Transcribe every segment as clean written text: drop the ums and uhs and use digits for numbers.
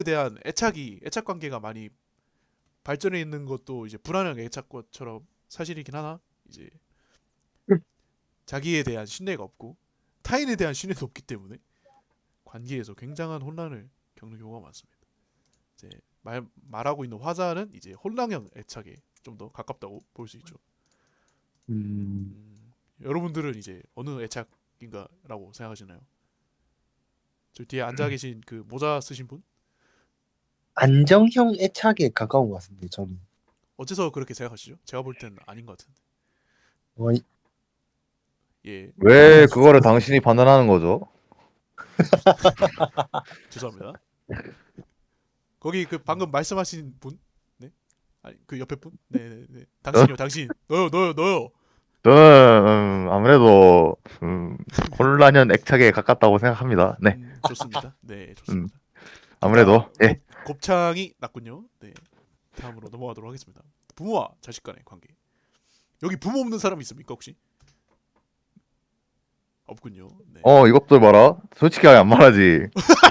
대한 애착 관계가 많이 발전해 있는 것도 이제 불안한 애착과처럼 사실이긴 하나 이제 자기에 대한 신뢰가 없고 타인에 대한 신뢰도 없기 때문에 관계에서 굉장한 혼란을 겪는 경우가 많습니다. 이제 말하고 있는 화자는 이제 혼란형 애착에 좀 더 가깝다고 볼 수 있죠. 음, 여러분들은 이제 어느 애착인가라고 생각하시나요? 저 뒤에 앉아 계신 그 모자 쓰신 분 안정형 애착에 가까운 것 같은데 저는. 어째서 그렇게 생각하시죠? 제가 볼 때는 아닌 것 같은데. 어, 예, 왜 그거를 당신이 판단하는 거죠? 죄송합니다. 거기 그 방금 말씀하신 분, 네, 아니 그 옆에 분, 네, 네, 네. 어? 당신이요, 당신, 너요. 저는 아무래도 혼란형 애착에 가깝다고 생각합니다. 네, 좋습니다. 네, 음, 좋습니다. 둘 다 아무래도 예. 곱창이 났군요. 네, 다음으로 넘어가도록 하겠습니다. 부모와 자식 간의 관계. 여기 부모 없는 사람 있습니까 혹시? 없군요. 네. 이것들 봐라. 솔직히 안 말하지.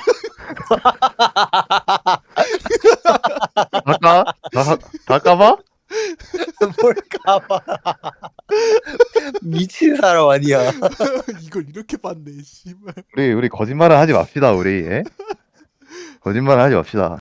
닭까? 닭까봐? 뭘까봐. 미친 사람 아니야. 이걸 이렇게 봤네, 씨발. 우리 거짓말을 하지 맙시다. 우리 예? 거짓말을 하지 맙시다.